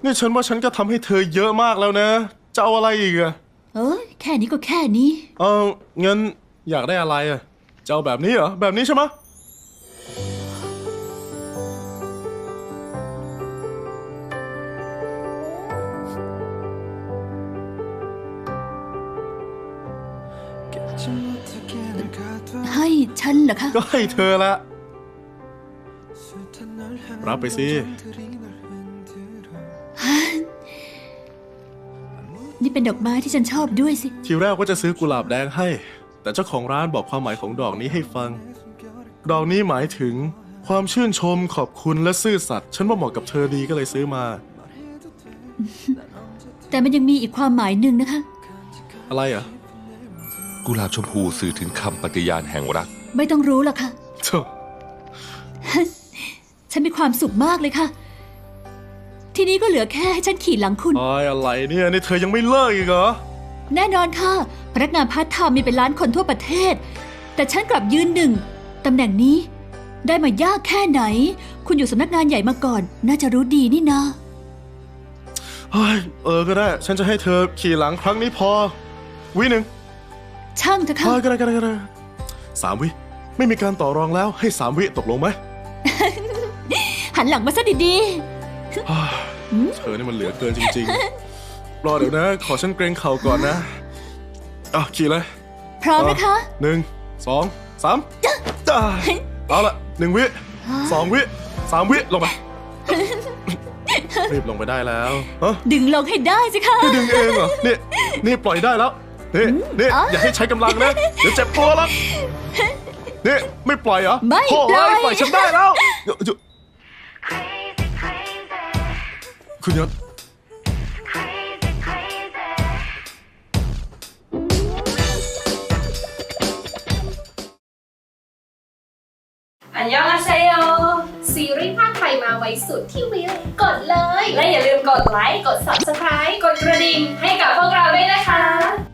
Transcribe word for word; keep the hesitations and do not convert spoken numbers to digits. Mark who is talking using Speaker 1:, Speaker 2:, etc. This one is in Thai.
Speaker 1: นี่ฉันว่าฉันก็ทำให้เธอเยอะมากแล้วนะจะเอาอะไรอีกอะ
Speaker 2: เอ้ยแค่นี้ก็แค่นี้
Speaker 1: เอองั้นอยากได้อะไรอะจะเอาแบบนี้เหรอแบบนี้ใช่ไหม
Speaker 2: ให้ฉันเหรอคะ
Speaker 1: ก็ให้เธอละรับไปสิ
Speaker 2: นี่เป็นดอกไม้ที่ฉันชอบด้วยสิ
Speaker 1: ทีแรกว่าจะซื้อกุหลาบแดงให้ แต่เจ้าของร้านบอกความหมายของดอกนี้ให้ฟัง ดอกนี้หมายถึงความชื่นชมขอบคุณและซื่อสัตย์ฉันว่าเหมาะกับเธอดีก็เลยซื้อมา
Speaker 2: แต่มันยังมีอีกความหมายหนึ่งนะคะ
Speaker 1: อะไรอ่ะ
Speaker 3: กุหลาบชมพูสื่อถึงคำปฏิญาณแห่งรัก
Speaker 2: ไม่ต้องรู้หรอกค่ะ
Speaker 1: เธอ
Speaker 2: ฉันมีความสุขมากเลยค่ะ ทีนี้ก็เหลือแค่ให้ฉันขี่หลังคุณ
Speaker 1: ไอ้อะไรเนี่ยนี่เธอยังไม่เลิกอีกเหรอ
Speaker 2: แน่นอนค่ะ พนักงานพาร์ทไทม์มีเป็นล้านคนทั่วประเทศ แต่ฉันกลับยืนหนึ่งตำแหน่งนี้ ได้มายากแค่ไหน คุณอยู่สำนักงานใหญ่มาก่อน น่าจะรู้ดีนี่นะ
Speaker 1: เฮ้ยเออก็ได้ ฉันจะให้เธอขี่หลังครั้งนี้พอ วิหนึ่ง
Speaker 2: ช่างเถอะ
Speaker 1: เอ
Speaker 2: ค่ะ
Speaker 1: อก็ได้ก็ได้ก็ได้สามวิไม่มีการต่อรองแล้วให้สามวิตกลงไหม
Speaker 2: หันหลังมาซะดี
Speaker 1: เธอนี่มันเหลือเกินจริงๆ รอเดี๋ยวนะ ขอฉันเกรงเข่าก่อนนะอ่ะขี่เลย
Speaker 2: ๆ พร้อมนะคะ
Speaker 1: หนึ่งสองสามจ้าเอาละหนึ่งวิสองวิสามวิลงไปรีบลงไปได้แล้วฮะ
Speaker 2: ดึงลงให้ได้สิคะ
Speaker 1: นี่ดึงเองเหรอนี่นี่ปล่อยได้แล้วนี่นี่อย่าให้ใช้กำลังนะเดี๋ยวเจ็บตัวแล้วนี่ไม่ปล่อยเหรอ
Speaker 2: ไม่
Speaker 1: โถ่
Speaker 2: ปล่อย
Speaker 1: ปล่อยฉันได้แล้วเดี๋ยวเดี๋ยวคุณยศ
Speaker 4: อันยองอาเซโย
Speaker 5: ซีรีส์ภาคไทยมาไว้สุดที่วิวกดเลย
Speaker 4: และอย่าลืมกดไลค์ กด ซับสไครบ์ กดกระดิ่งให้กับพวกเราด้วยนะคะ